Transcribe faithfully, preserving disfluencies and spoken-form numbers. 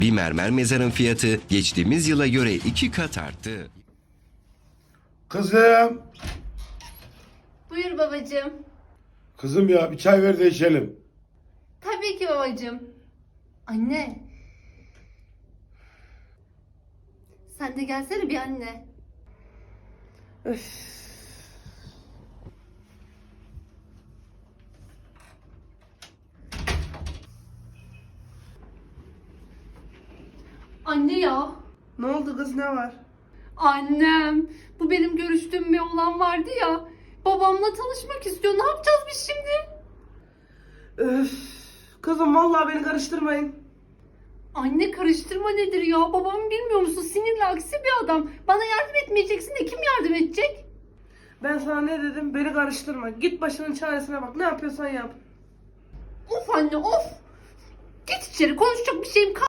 Bir mermer mezarın fiyatı geçtiğimiz yıla göre iki kat arttı. Kızım. Buyur babacığım. Kızım ya bir çay ver de içelim. Tabii ki babacığım. Anne. Sen de gelsene bir anne. Öf. Anne ya. Ne oldu kız, ne var? Annem. Bu benim görüştüğüm bir oğlan vardı ya. Babamla tanışmak istiyor. Ne yapacağız biz şimdi? Öf. Kızım vallahi beni karıştırmayın. Anne karıştırma nedir ya? Babamı bilmiyor musun? Sinirli aksi bir adam. Bana yardım etmeyeceksin de kim yardım edecek? Ben sana ne dedim? Beni karıştırma. Git başının çaresine bak. Ne yapıyorsan yap. Of anne of. Git içeri, konuşacak bir şeyim kalmadı.